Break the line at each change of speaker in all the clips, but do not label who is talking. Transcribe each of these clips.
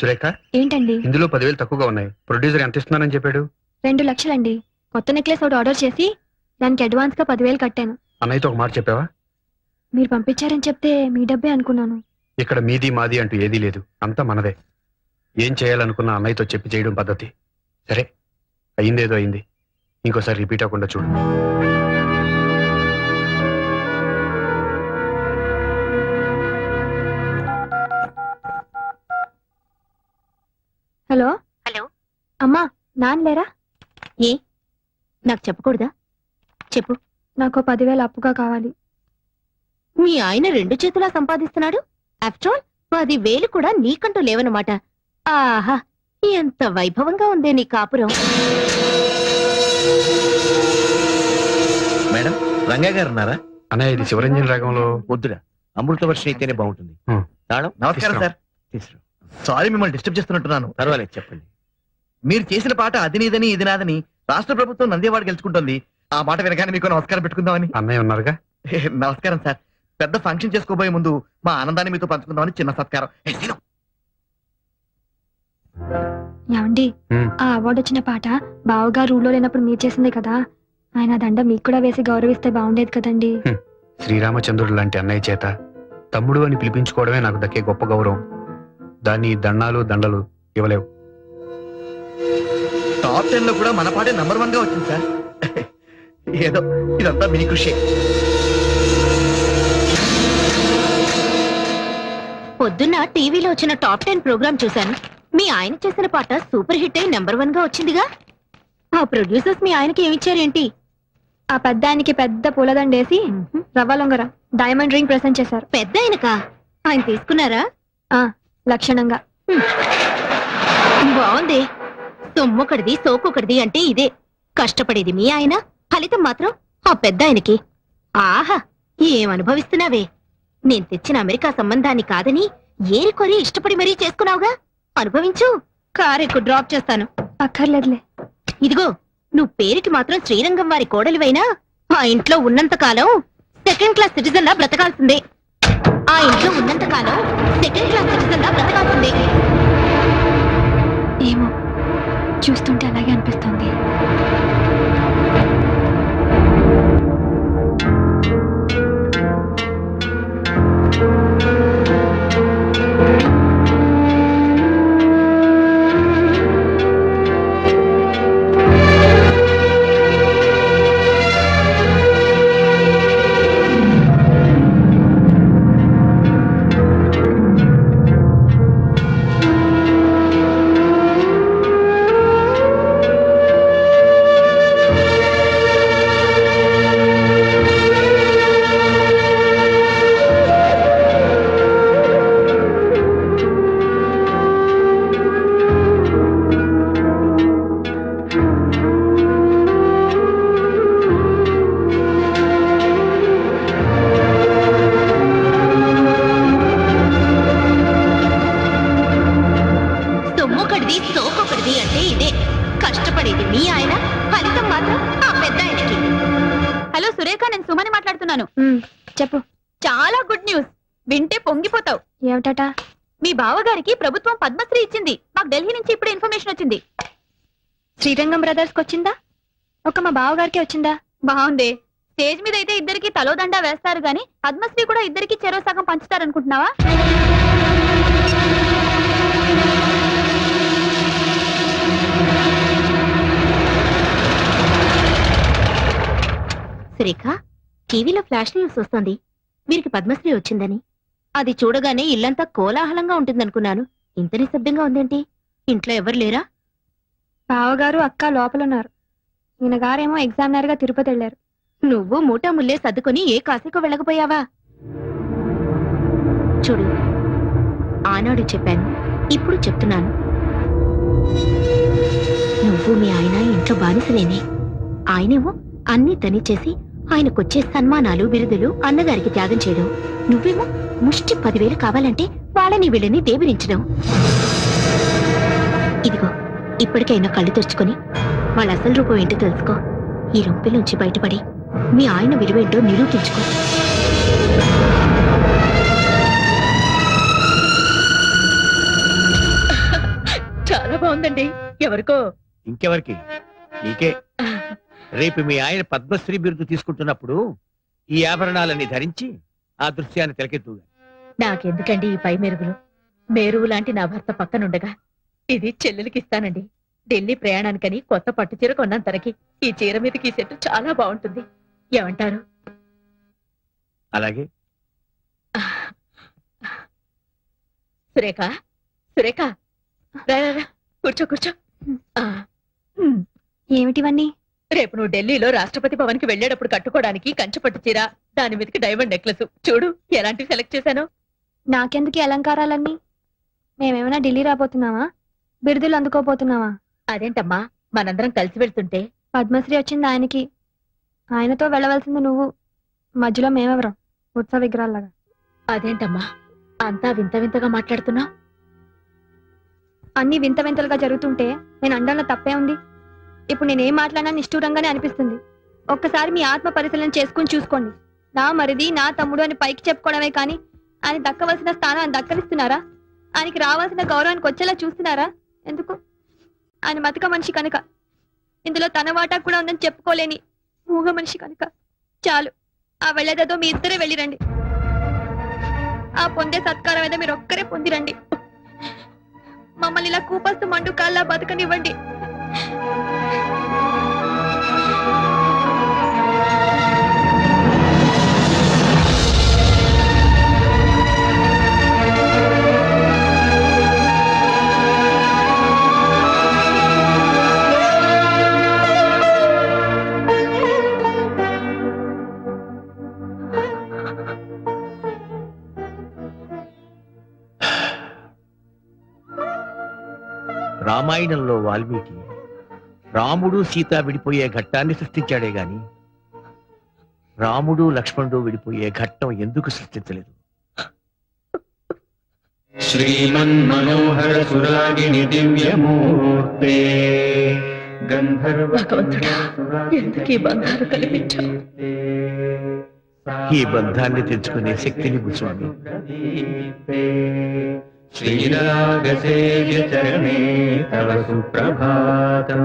సురేఖ,
ఏంటండి?
ఇందులో 10,000 తక్కువగా ఉన్నాయి. ప్రొడ్యూసర్ ఎంత ఇస్తున్నానని చెప్పాడు?
2 లక్షలండి. కొత్త నెక్లెస్ ఒకటి ఆర్డర్ చేసి దానికి అడ్వాన్స్ గా 10,000 కట్టాను.
అన్నయ్యతో ఒక మాట చెప్పావా?
మీరు పంపించారని చెప్తే మీ డబ్బే అనుకున్నాను.
ఇక్కడ మీది మాది అంటూ ఏదీ లేదు, అంతా మనదే. ఏం చేయాలనుకున్నా అన్నయ్యతో చెప్పి చేయడం పద్ధతి. సరే, అయిందేదో అయింది. ఇంకోసారి రిపీట్ అవ్వకుండా చూడు.
హలో
హలో,
అమ్మా, నాన్న లేరా?
ఏ నాకు చెప్పకూడదా? చెప్పు.
నాకు 10,000 అప్పుగా కావాలి.
మీ ఆయన 2 చేతులా సంపాదిస్తున్నాడు. ఆఫ్టర్ ఆల్ 10,000 కూడా నీకంటూ లేవన్నమాట. ఆహా, ఎంత వైభవంగా ఉందే నీ కాపురం.
మేడం, రంగా గారు ఉన్నారా?
అన్నయ్య, ఇది శివరంజన్ రాగంలో
వద్దురా, అమృత వర్షం అయితేనే బాగుంటుంది. తాళం.
నమస్కారం సార్.
తీసుకురా.
సారీ, మిమ్మల్ని డిస్టర్బ్ చేస్తున్నట్టున్నాను.
పర్వాలేదు, చెప్పండి.
మీరు చేసిన పాట అది నీదని ఇది నాదని రాష్ట్ర ప్రభుత్వం నందేవాడ గెలుచుకుంటోంది. ఆ మాట వినగానే మీకు నమస్కారం పెట్టుకుందామని.
అన్నయ్య ఉన్నారుగా.
నమస్కారం సార్. పెద్ద ఫంక్షన్ చేసుకోబోయే ముందు మా ఆనందాన్ని మీతో పంచుకుందామని చిన్న సత్కారం.
ఏమండి, ఆ అవార్డు వచ్చిన పాట బావగారు రూల్లో లేనప్పుడు మీరు చేసిందే కదా. ఆయన దండ మీకు కూడా వేసి గౌరవిస్తే బాగుండేది కదండి.
శ్రీరామచంద్రుడు లాంటి అన్నయ్య చేత తమ్ముడు అని పిలిపించుకోవడమే నాకు దక్కే గొప్ప గౌరవం. దాన్ని దండాలు దండలు ఇవ్వలేవు.
టాప్ 10 లో కూడా మన పాటే నంబర్ 1 గా వచ్చింది సార్. ఏదో ఇదంతా మీ కృషి.
పొద్దున్న టీవీలో వచ్చిన టాప్ 10 ప్రోగ్రామ్ చూశాను. మీ ఆయన చేసిన పాట సూపర్ హిట్ అయి నెంబర్ 1 గా వచ్చిందిగా. ఆ ప్రొడ్యూసర్స్ మీ ఆయనకి ఏమిచ్చారేంటి?
ఆ పెద్ద ఆయనకి పెద్ద పూలదండేసి రవ్వ లొంగర డైమండ్ రింగ్ ప్రెసెంట్ చేశారు.
పెద్ద ఆయనకా? ఆయన తీసుకున్నారా?
లక్షణంగా.
బాగుంది. సొమ్మొకటిది సోకొకటిది అంటే ఇదే. కష్టపడేది మీ ఆయన, ఫలితం మాత్రం ఆ పెద్ద ఆయనకి. ఆహా, ఏం అనుభవిస్తున్నావే. నేను తెచ్చిన అమెరికా సంబంధాన్ని కాదని ఏరికొరి ఇష్టపడి మరీ చేసుకున్నావుగా. అనుభవించు. కారెక్కు డ్రాప్ చేస్తాను.
అక్కర్లేదులే.
ఇదిగో, నువ్వు పేరుకి మాత్రం శ్రీరంగం వారి కోడలివైనా ఆ ఇంట్లో ఉన్నంత కాలం 2nd క్లాస్ సిటిజన్ లా బ్రతకాల్సిందే. ఆ ఇంట్లో ఉన్నంత కాలం 2nd క్లాస్ సిటిజన్ లా బ్రతకాల్సిందే.
ఏమో, చూస్తుంటే అలాగే అనిపిస్తుంది.
సొమ్మొకటిది సోకొకటిది అంటే ఇదే. కష్టపడేది మీ ఆయన, ఫలితం మాత్రం ఆ పెద్ద ఆయనకి. హలో సురేఖ, నేను సుమని మాట్లాడుతున్నాను.
చెప్పు.
చాలా గుడ్ న్యూస్. వింటే పొంగిపోతావు.
ఏమిటట?
మీ బావగారికి ప్రభుత్వం పద్మశ్రీ ఇచ్చింది. మాకు ఢిల్లీ నుంచి ఇప్పుడే ఇన్ఫర్మేషన్ వచ్చింది.
శ్రీరంగం బ్రదర్స్ కి వచ్చిందా? ఒక మా బావగారికి వచ్చిందా?
బాగుంది. స్టేజ్ మీద అయితే ఇద్దరికి తలోదండా వేస్తారు గాని పద్మశ్రీ కూడా ఇద్దరికి చెరో సగం పంచుతారనుకుంటున్నావా? సురేఖ, టీవీలో ఫ్లాష్ న్యూస్ వస్తుంది. వీరికి పద్మశ్రీ వచ్చిందని. అది చూడగానే ఇల్లంతా కోలాహలంగా ఉంటుందనుకున్నాను. ఇంత నిశ్శబ్దంగా ఉందేంటి? ఇంట్లో ఎవరు లేరా?
బావగారు అక్క లోపలున్నారు. ఈయన గారేమో ఎగ్జామినర్ గా తిరుపతి వెళ్లారు.
నువ్వు మూటా ముల్లే సర్దుకొని ఏ కాశీకో వెళ్ళకపోయావా? చూడు, ఆనాడు చెప్పాను, ఇప్పుడు చెప్తున్నాను. నువ్వు మీ ఆయన ఇంట్లో బానిసలేనే. ఆయనేమో అన్నీ తనిచేసి ఆయనకొచ్చే సన్మానాలు బిరుదులు అన్నగారికి త్యాగం చేయడం. నువ్వేమో ముష్టి 10,000 కావాలంటే వాళ్ళని వీళ్ళని దేవిరించడం. ఇదిగో, ఇప్పటికైనా కళ్ళు తెరుచుకొని వాళ్ళ అసలు రూపం ఏంటో తెలుసుకో. ఈ రొంపిలోంచి బయటపడి మీ ఆయన విలువేంటో నిరూపించుకో. బాగుందండి. ఎవరికో
ఇంకెవరికి? నీకే. రేపు మీ ఆయన పద్మశ్రీ బిరుదు తీసుకుంటున్నప్పుడు ఈ ఆభరణాలన్నీ ధరించి ఆ దృశ్యాన్ని తిలకెత్తుగా.
నాకెందుకండి ఈ పై మెరుగులు? మేరువు లాంటి నా భర్త పక్కనుండగా ఇది చెల్లెలికి ఇస్తానండి. ఢిల్లీ ప్రయాణానికని కొత్త పట్టు చీర కొన్నాను తనకి. ఈ చీర మీదకి ఈ సెట్ చాలా బాగుంటుంది. ఏమంటారు?
అలాగే.
సురేఖ, సురేఖ, రా రా, రా. కూర్చో కూర్చో. ఆ,
ఏమిటివన్నీ?
రేపు నువ్వు ఢిల్లీలో రాష్ట్రపతి భవన్ కి వెళ్లేటప్పుడు కట్టుకోవడానికి కంచుపట్టు చీర, దాని మీదకి డైమండ్ నెక్లెస్. చూడు ఎలాంటివి సెలెక్ట్ చేశాను.
నాకెందుకు ఈ అలంకారాలన్నీ? మేమేమైనా ఢిల్లీ రాబోతున్నావా? బిరుదులు అందుకోపోతున్నావా?
అదేంటమ్మా, మనందరం కలిసి వెళ్తుంటే
పద్మశ్రీ వచ్చింది ఆయనకి, ఆయనతో వెళ్ళవలసింది నువ్వు. మధ్యలో మేమెవరం ఉత్సవ విగ్రహాల్లాగా?
అదేంటమ్మా అంతా వింత వింతగా మాట్లాడుతున్నా?
అన్ని వింత వింతలుగా జరుగుతుంటే నేను అండంలో తప్పే ఉంది. ఇప్పుడు నేనేం మాట్లాడినా నిష్ఠూరంగానే అనిపిస్తుంది. ఒక్కసారి మీ ఆత్మ పరిశీలన చేసుకుని చూసుకోండి. నా మరిది, నా తమ్ముడు అని పైకి చెప్పుకోవడమే కానీ ఆయన దక్కవలసిన స్థానాన్ని దక్కనిస్తున్నారా? ఆయనకి రావాల్సిన గౌరవానికి వచ్చేలా చూస్తున్నారా? ఎందుకు? ఆయన మతక మనిషి కనుక, ఇందులో తన వాటా కూడా ఉందని చెప్పుకోలేని మూగ మనిషి కనుక. చాలు, ఆ వెళ్ళేదేదో మీ ఇద్దరే వెళ్ళిరండి. ఆ పొందే సత్కారం ఏదో మీరు ఒక్కరే పొందిరండి. మమ్మల్ని ఇలా కూపస్తు మండు కాల్లా బతకనివ్వండి.
రామాయణంలో వాల్మీకి రాముడు సీత విడిపోయే ఘట్టాన్ని సృష్టించాడే గాని రాముడు లక్ష్మణుడు విడిపోయే ఘట్టం ఎందుకు సృష్టించలేదు?
శ్రీమన్మనోహర సురాగిణి దివ్యమూర్తే
భగవంతుడా, ఎందుకు ఈ బంధాలు కల్పించావు?
ఈ బంధాన్ని తెచ్చుకునే శక్తిని స్వామి.
శ్రీరాగసేవ్య చరణే తవ సుప్రభాతం.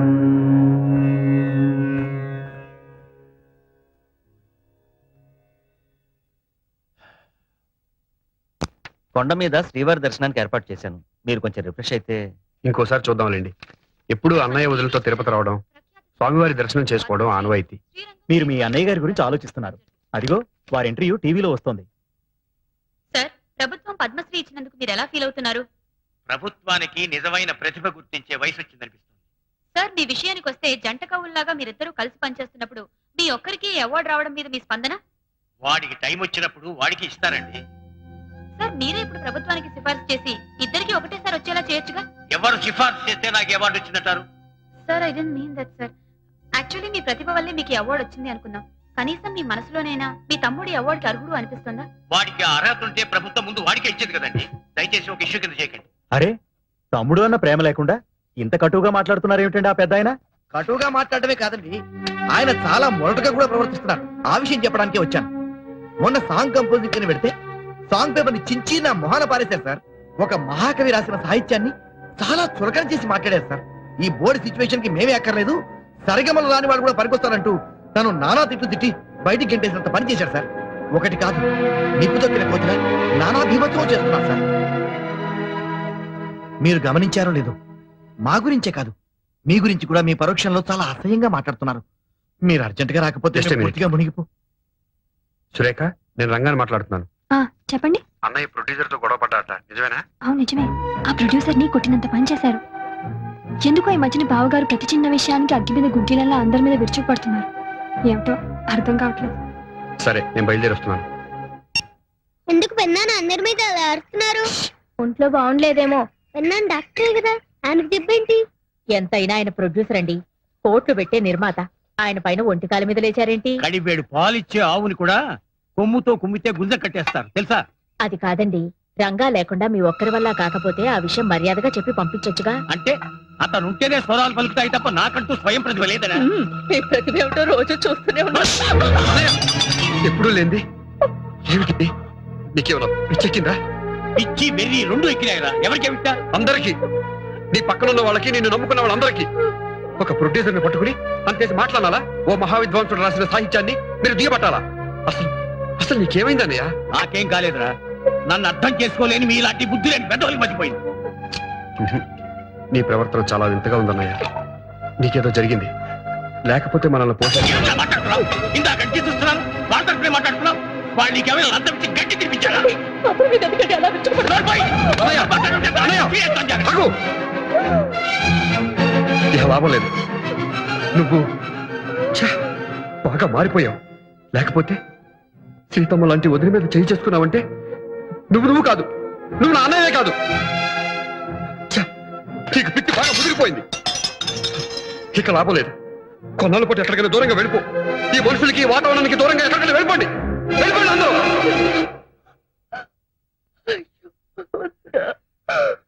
కొండ మీద శ్రీవారి దర్శనానికి ఏర్పాటు చేశాను. మీరు కొంచెం రిఫ్రెష్ అయితే.
ఇంకోసారి చూద్దాంలేండి. ఎప్పుడు అన్నయ్య వదులతో తిరుపతి రావడం, స్వామివారి దర్శనం చేసుకోవడం ఆనవాయితీ.
మీరు మీ అన్నయ్య గారి గురించి ఆలోచిస్తున్నారు. అదిగో వారి ఇంటర్వ్యూ టీవీలో వస్తోంది.
సార్, ప్రభుత్వం పద్మశ్రీ ఇచ్చినందుకు మీరు ఎలా ఫీల్ అవుతున్నారు?
ప్రభుత్వానికి నిజమైన ప్రతిభ గుర్తించే వయసు వచ్చిందనిపిస్తుంది.
సార్, మీ విషయానికి వస్తే జంట కవుల్లాగా మీరిద్దరూ కలిసి పనిచేస్తున్నప్పుడు మీ ఒక్కరికి అవార్డు రావడం మీద మీ స్పందన?
వాడికి టైం వచ్చినప్పుడు వాడికి ఇస్తారండి.
సార్, మీరే ఇప్పుడు ప్రభుత్వానికి సిఫార్సు చేసి ఇద్దరికి ఒకటేసారి వచ్చేలా చేయొచ్చుగా?
ఎవరు సిఫార్సు చేస్తే నాకు అవార్డు వచ్చిందంటారు?
Sir, I don't mean that sir. Actually మీ ప్రతిభ వల్లే మీకు అవార్డు వచ్చింది అనుకున్నాం. కనీసం మీ మనసులోనైనా మీ తమ్ముడి అవార్డుకి అర్హుడు అనిపిస్తుందా?
వాడికి అర్హత ఉంటే ప్రభుత్వం ముందు వాడికే ఇచ్చేది కదండి. దయచేసి ఒక ఇష్యూ కింద చేయకండి.
అరే, తమ్ముడు అన్న ప్రేమ లేకుండా ఇంత కటువుగా మాట్లాడుతున్నారు ఏమిటండి ఆ పెద్ద ఆయన?
కటువుగా మాట్లాడమే కాదండి, ఆయన చాలా మొరటుగా కూడా ప్రవర్తిస్తున్నారు. ఆ విషయం చెప్పడానికే వచ్చాను. మొన్న సాంగ్ కంపోజింగ్ అని పెడితే సాంగ్ పేపర్ ని చించి నా మొహాన పారేశారు సార్. ఒక మహాకవి రాసిన సాహిత్యాన్ని చాలా చులకన చేసి మాట్లాడారు సార్. ఈ బోర్డు సిచ్యువేషన్ కి మేమే అక్కర్లేదు, సరిగమలు రాని వాళ్ళు కూడా పనికొస్తారంటూ తను నానా తిట్లు తిట్టి బయటికి గంటేసినంత పని చేశారు సార్. ఒకటి కాదు, నిప్పు తొక్కిన కోతిగా నానా భీమత్వం చేస్తున్నారు సార్. మీరు గమనించారో లేదో, మా గురించే కాదు మీ గురించి కూడా మీ పరోక్షంలో చాలా అసహ్యంగా మాట్లాడుతున్నారు. మీరు అర్జెంట్ గా రాకపోతే
Just a minute.
పూర్తిగా మునిగిపో.
సురేఖ, నేను రంగాన్ని మాట్లాడుతున్నాను.
చెప్పండి.
అన్నయ్య ప్రొడ్యూసర్ తో గొడవ పడ్డాట, నిజమేనా?
అవును, నిజమే. ఆ ప్రొడ్యూసర్ ని కొట్టినంత పని చేశారు. ఎందుకో ఈ మధ్యన బావగారు ప్రతి చిన్న విషయానికి అగ్గి మీద గుడ్డీలలా అందరి మీద విరుచుకుపడుతున్నారు. ఏమిటో అర్థం కావట్లేదు.
సరే, నేను బయలుదేరి వస్తున్నాను.
ఎందుకు పెన్నాను అందరి మీద అలా అరుస్తున్నారు?
ఒంట్లో బాగుండలేదేమో.
పెన్నాను డాక్టరే కదా, ఆయనకు చెప్పేంటి?
ఎంతైనా ఆయన ప్రొడ్యూసర్ అండి, కోట్లు పెట్టే నిర్మాత. ఆయన పైన ఒంటికాల మీద లేచారేంటి?
కడివేడు పాలిచ్చే ఆవుని కూడా కొమ్ముతో కుమ్మితే గుంజ కట్టేస్తారు తెలుసా?
అది కాదండి, రంగా లేకుండా మీ ఒక్కరి వల్ల కాకపోతే ఆ విషయం మర్యాదగా చెప్పి పంపించొచ్చుగా.
అంటే అతను ఉంటేనే స్వరాలు పలుకుతాయి తప్ప నాకంటూ స్వయం ప్రతిభ లేదనా?
మీ ప్రతిభ ఏమిటో రోజు చూస్తూనే ఉన్నా.
ఎప్పుడూ లేంది ఏమిటి? నీకేమన్నా పిచ్చెక్కిందా?
పిచ్చి వెర్రి రెండు ఎక్కినాయిరా. ఎవరికి విట్టా?
అందరికి నీ పక్కనున్న వాళ్ళకి నిన్ను నమ్ముకున్న వాళ్ళందరికీ ఒక ప్రొడ్యూసర్ని పట్టుకుని అంతేసి మాట్లాడాలా? ఓ మహావిద్వాంసుడు రాసిన సాహిత్యాన్ని మీరు దిగబట్టాలా? అసలు అసలు నీకేమైందన్నయ్య?
నాకేం కాలేదురా, నన్ను అర్థం చేసుకోలేని మీలాంటి బుద్ధి లేని పెద్దవాళ్ళకి మర్చిపోయింది.
నీ ప్రవర్తన చాలా వింతగా ఉందన్నయ్య. నీకేదో జరిగింది, లేకపోతే మనల్ని
ఏమన్నా మాట్లాడుతున్నావు? ఇందాక గట్టి చూస్తున్నాను, వాళ్ళతో మాట్లాడుతున్నావు. వాళ్ళు నీకేమైనా లంచం ఇచ్చి గట్టి తినిపించారా?
ఇక లాభం లేదు. నువ్వు ఛ, బాగా మారిపోయావు. లేకపోతే సీతమ్మ లాంటి వదిలి మీద చేయి చేసుకున్నావంటే నువ్వు కాదు, నువ్వు నా అన్నయ్యే కాదు. ఛ, నీకు పిచ్చి బాగా ముదిరిపోయింది. ఇక లాభం లేదు. కొన్నాళ్ళు పాటు ఎక్కడికైనా దూరంగా వెళ్ళిపో. ఈ మనుషులకి ఈ వాతావరణానికి దూరంగా ఎక్కడికైనా వెళ్ళిపోండి. వెళ్ళిపోండి అందరూ.